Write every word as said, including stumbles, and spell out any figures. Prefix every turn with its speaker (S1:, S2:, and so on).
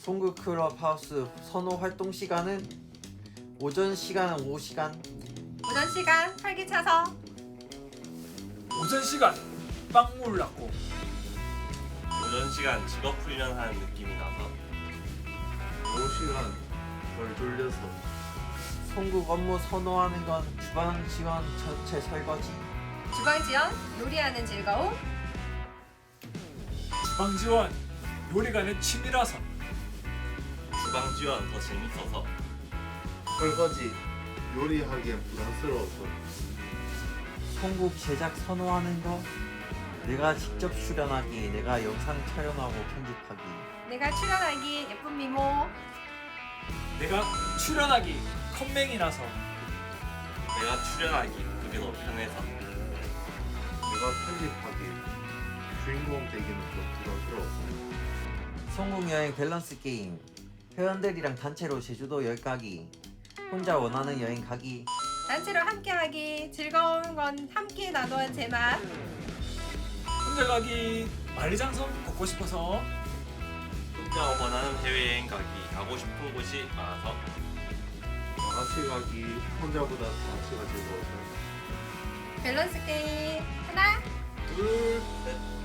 S1: 송구 클럽하우스 선호 활동 시간은 오전 시간은 오후 시간.
S2: 오전 시간 활기차서.
S3: 오전 시간 빵물 났고.
S4: 오전 시간 직업 훈련하는 느낌이 나서.
S5: 오후 시간 덜 졸려서.
S1: 송국 업무 선호하는 건 주방 지원 전체 설거지.
S2: 주방 지원 요리하는 즐거움.
S3: 주방 지원 요리가 내 취미라서.
S4: 주방 지원 더 재밌어서.
S5: 설거지 요리하기엔 부담스러워서.
S1: 송국 제작 선호하는 거 내가 직접 출연하기, 내가 영상 촬영하고 편집하기.
S2: 내가 출연하기 예쁜 미모.
S3: 내가 출연하기 컴맹이라서.
S4: 내가 출연하기 그게 더 편해서.
S5: 내가 편집하기 주인공 되기는 좀 부담스러워서.
S1: 송국 여행 밸런스 게임. 회원들이랑 단체로 제주도 여행 가기, 혼자 원하는 여행 가기.
S2: 단체로 함께하기 즐거운 건 함께 나누는 제맛.
S3: 혼자 가기 만리장성 걷고 싶어서.
S4: 혼자 원하는 해외여행 가기 가고 싶은 곳이 많아서.
S5: 다 같이 가기 혼자보다 다 같이가 즐거워서.
S2: 밸런스 게임 하나
S4: 둘, 셋.